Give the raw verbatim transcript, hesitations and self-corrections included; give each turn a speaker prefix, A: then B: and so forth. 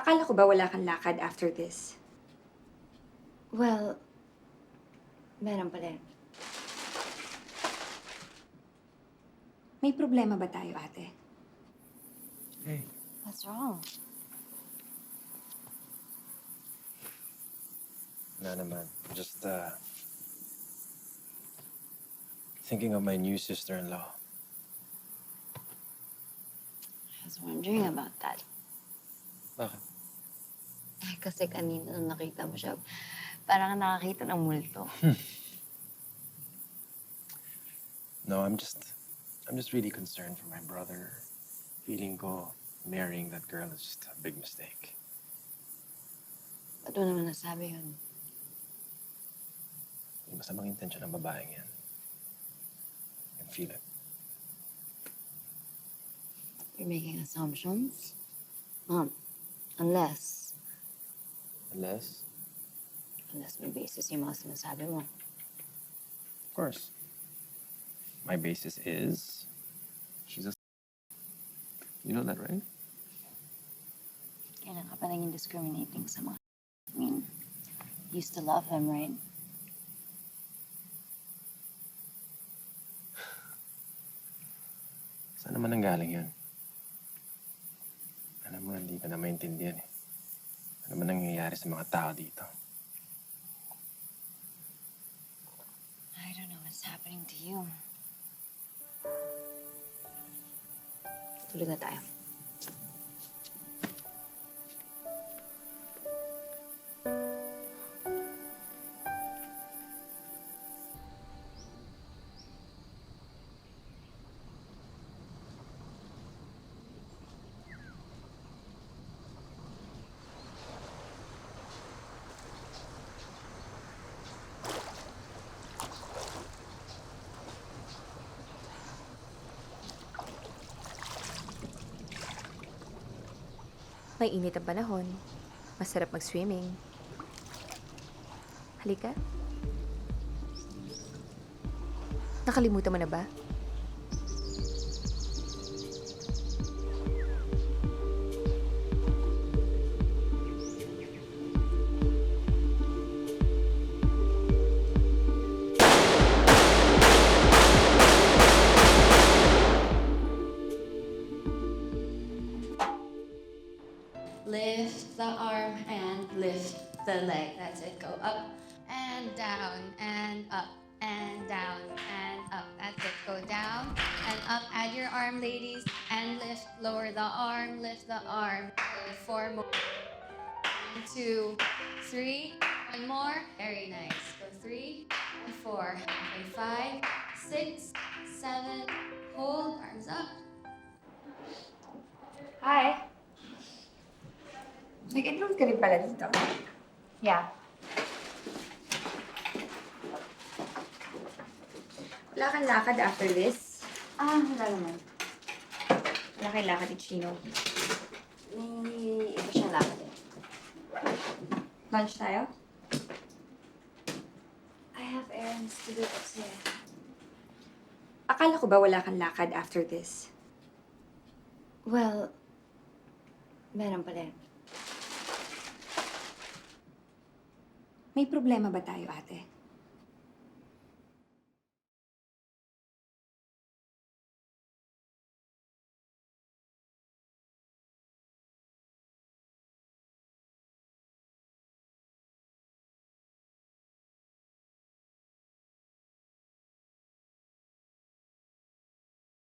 A: Akala ko ba wala kang lakad after this?
B: Well, meron pa rin.
A: May problema ba tayo, ate?
C: Hey.
B: What's wrong?
C: No naman. Just, uh... thinking of my new sister-in-law.
B: I was wondering about that.
C: Bakit?
B: Eh, kasi kanina nung nakita mo siya, parang nakakita ng multo.
C: No, I'm just... I'm just really concerned for my brother. Feeling ko, marrying that girl is just a big mistake.
B: Ba't mo naman nasabi yun?
C: May masamang intensyon ng babaeng yan. I can feel it.
B: You're making assumptions? Um, unless,
C: Unless,
B: unless may basis yung mga sinasabi mo.
C: of course, my basis is... she's a... You know that, right?
B: Kailan ka pa naging discriminating sa mga... I mean, you used to love him, right?
C: Saan naman nanggaling yun? Alam mo, hindi ka na maintindihan eh. Ano man nangyayari sa mga tao dito?
B: I don't know what's happening to you. Tulog na tayo.
A: May init ang panahon. Masarap mag-swimming. Halika. Nakalimutan mo na ba?
D: Lift the arm and lift the leg. That's it. Go up and down and up and down and up. That's it. Go down and up. Add your arm, ladies, and lift. Lower the arm, lift the arm. Okay, four more. One, two, three. One more. Very nice. Go three and four. Okay, five, six, seven. Hold. Arms up.
A: Hi! Nag-enroll ka rin pala dito. Yeah. Wala kang lakad after this?
B: Ah, wala naman.
A: Wala kang lakad ni Chino.
B: May iba siyang lakad eh.
A: Lunch tayo?
B: I have errands to do upstairs.
A: Akala ko ba wala kang lakad after this?
B: Well, meron pa rin.
A: May problema ba tayo, ate?